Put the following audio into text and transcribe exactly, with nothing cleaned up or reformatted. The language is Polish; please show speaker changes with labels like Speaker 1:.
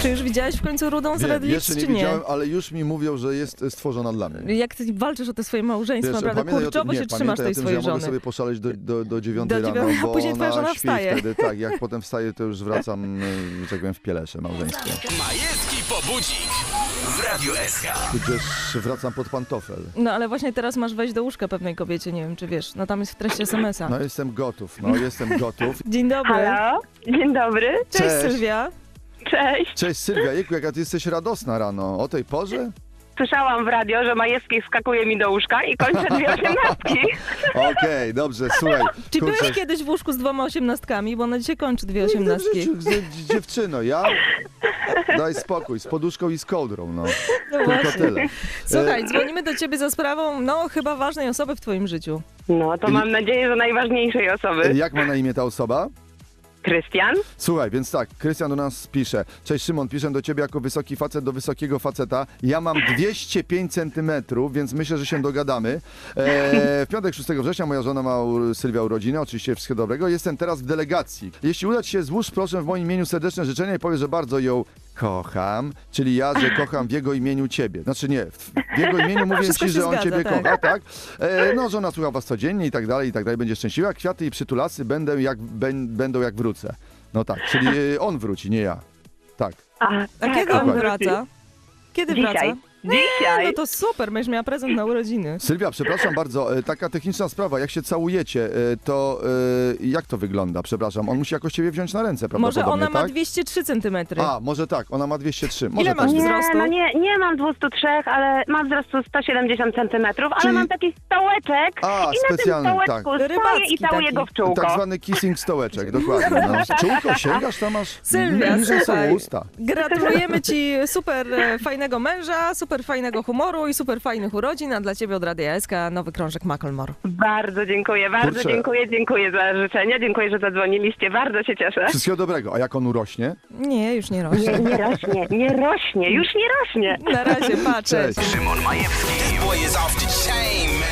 Speaker 1: Czy już widziałeś w końcu rudą z
Speaker 2: Wiem,
Speaker 1: Red Lips,
Speaker 2: jeszcze nie
Speaker 1: czy nie?
Speaker 2: widziałem, ale już mi mówią, że jest stworzona dla mnie.
Speaker 1: Jak ty walczysz o te swoje małżeństwo,
Speaker 2: Wiesz,
Speaker 1: naprawdę
Speaker 2: pamiętaj o tym-
Speaker 1: kurczowo
Speaker 2: nie,
Speaker 1: się trzymasz
Speaker 2: pamiętaj
Speaker 1: tej
Speaker 2: o tym, że
Speaker 1: swojej
Speaker 2: ja mogę
Speaker 1: żony.
Speaker 2: sobie poszaleć do, do, do dziewiątej
Speaker 1: Do
Speaker 2: rano,
Speaker 1: dziewiątej, a
Speaker 2: bo
Speaker 1: później twoja
Speaker 2: ona
Speaker 1: żona
Speaker 2: śpi
Speaker 1: wstaje.
Speaker 2: wtedy. Tak, jak potem wstaję, to już wracam, y, że tak powiem, w pielesze małżeńskie.
Speaker 3: Majewski pobudzik w Radiu S K.
Speaker 2: Tudzież wracam pod pantofel.
Speaker 1: No ale właśnie teraz masz wejść do łóżka pewnej kobiecie, nie wiem czy wiesz, no tam jest w treści es em es a.
Speaker 2: No jestem gotów, no jestem gotów.
Speaker 1: Dzień dobry.
Speaker 4: Halo, dzień dobry.
Speaker 1: Cześć,
Speaker 2: Cześć.
Speaker 1: Sylwia.
Speaker 4: Cześć.
Speaker 2: Cześć Sylwia, jejku, jaka ty jesteś radosna rano, o tej porze?
Speaker 4: Słyszałam w radio, że Majewski wskakuje mi do łóżka i kończę dwie osiemnastki.
Speaker 2: Okej, dobrze, słuchaj.
Speaker 1: Czy
Speaker 2: kurczę,
Speaker 1: byłeś kiedyś w łóżku z dwoma osiemnastkami, bo ona dzisiaj kończy dwie
Speaker 2: nigdy w
Speaker 1: osiemnastki.
Speaker 2: życiu, z- dziewczyno, ja? Daj spokój, z poduszką i z kołdrą, no.
Speaker 1: No
Speaker 2: Tylko
Speaker 1: właśnie.
Speaker 2: tyle.
Speaker 1: Słuchaj, dzwonimy do ciebie za sprawą, no chyba ważnej osoby w twoim życiu.
Speaker 4: No to mam nadzieję, że najważniejszej
Speaker 2: E,
Speaker 4: osoby.
Speaker 2: Jak ma na imię ta osoba?
Speaker 4: Krystian?
Speaker 2: Słuchaj, więc tak, Krystian do nas pisze. Cześć Szymon, piszę do ciebie jako wysoki facet do wysokiego faceta. Ja mam dwieście pięć centymetrów, więc myślę, że się dogadamy. E, w piątek szóstego września moja żona ma u- Sylwia urodziny, oczywiście wszystkiego dobrego. Jestem teraz w delegacji. Jeśli uda ci się, złóż proszę w moim imieniu serdeczne życzenia i powiedz, że bardzo ją kocham, czyli ja, że kocham w jego imieniu ciebie. Znaczy nie, w w jego imieniu mówię
Speaker 1: Wszystko
Speaker 2: ci,
Speaker 1: się
Speaker 2: że on
Speaker 1: zgadza,
Speaker 2: ciebie
Speaker 1: tak.
Speaker 2: kocha, tak? E, no, żona słucha was codziennie i tak dalej, i tak dalej, będzie szczęśliwa. Kwiaty i przytulasy będę jak, ben, będą jak wrócę. No tak, czyli e, on wróci, nie ja. Tak.
Speaker 4: A,
Speaker 1: A
Speaker 4: tak,
Speaker 1: kiedy on
Speaker 4: wróci.
Speaker 1: wraca? Kiedy
Speaker 4: Dzisiaj.
Speaker 1: wraca?
Speaker 4: Dzisiaj.
Speaker 1: No to super, będziesz miała prezent na urodziny.
Speaker 2: Sylwia, przepraszam bardzo, e, taka techniczna sprawa, jak się całujecie, e, to e, jak to wygląda? Przepraszam, on musi jakoś ciebie wziąć na ręce,
Speaker 1: Może
Speaker 2: prawdopodobnie,
Speaker 1: ona ma
Speaker 2: tak?
Speaker 1: dwieście trzy centymetry.
Speaker 2: A, może tak, ona ma dwieście trzy. Może
Speaker 1: Ile
Speaker 2: tak
Speaker 1: masz
Speaker 2: być.
Speaker 4: Nie,
Speaker 1: wzrostu?
Speaker 4: no nie, nie mam dwieście trzy, ale mam wzrostu sto siedemdziesiąt centymetrów, ale
Speaker 2: Czyli-
Speaker 4: mam taki stołeczek
Speaker 2: A,
Speaker 4: i na tym
Speaker 2: specjalny,
Speaker 4: stołeczku
Speaker 2: tak.
Speaker 4: stoję
Speaker 1: Rybacki
Speaker 4: i całuję
Speaker 1: taki.
Speaker 4: go w czółko.
Speaker 2: Tak zwany kissing stołeczek, dokładnie. No. Z Czółko sięgasz, tam masz
Speaker 1: Sylwia,
Speaker 2: niżej są
Speaker 1: słuchaj,
Speaker 2: usta.
Speaker 1: gratulujemy ci super e, fajnego męża, super fajnego humoru i super fajnych urodzin, a dla ciebie od Radia S K nowy krążek Macklemore.
Speaker 4: Bardzo dziękuję, bardzo
Speaker 2: Kurczę.
Speaker 4: dziękuję, dziękuję za życzenia, dziękuję, że zadzwoniliście, bardzo się cieszę.
Speaker 2: Wszystkiego dobrego. A jak on urośnie?
Speaker 1: Nie, już nie
Speaker 4: Nie,
Speaker 1: rośnie.
Speaker 4: nie rośnie, nie rośnie, już nie rośnie.
Speaker 1: Na razie, pa, cześć.
Speaker 2: Cześć.
Speaker 3: Szymon Majewski. This boy is off the chain, man.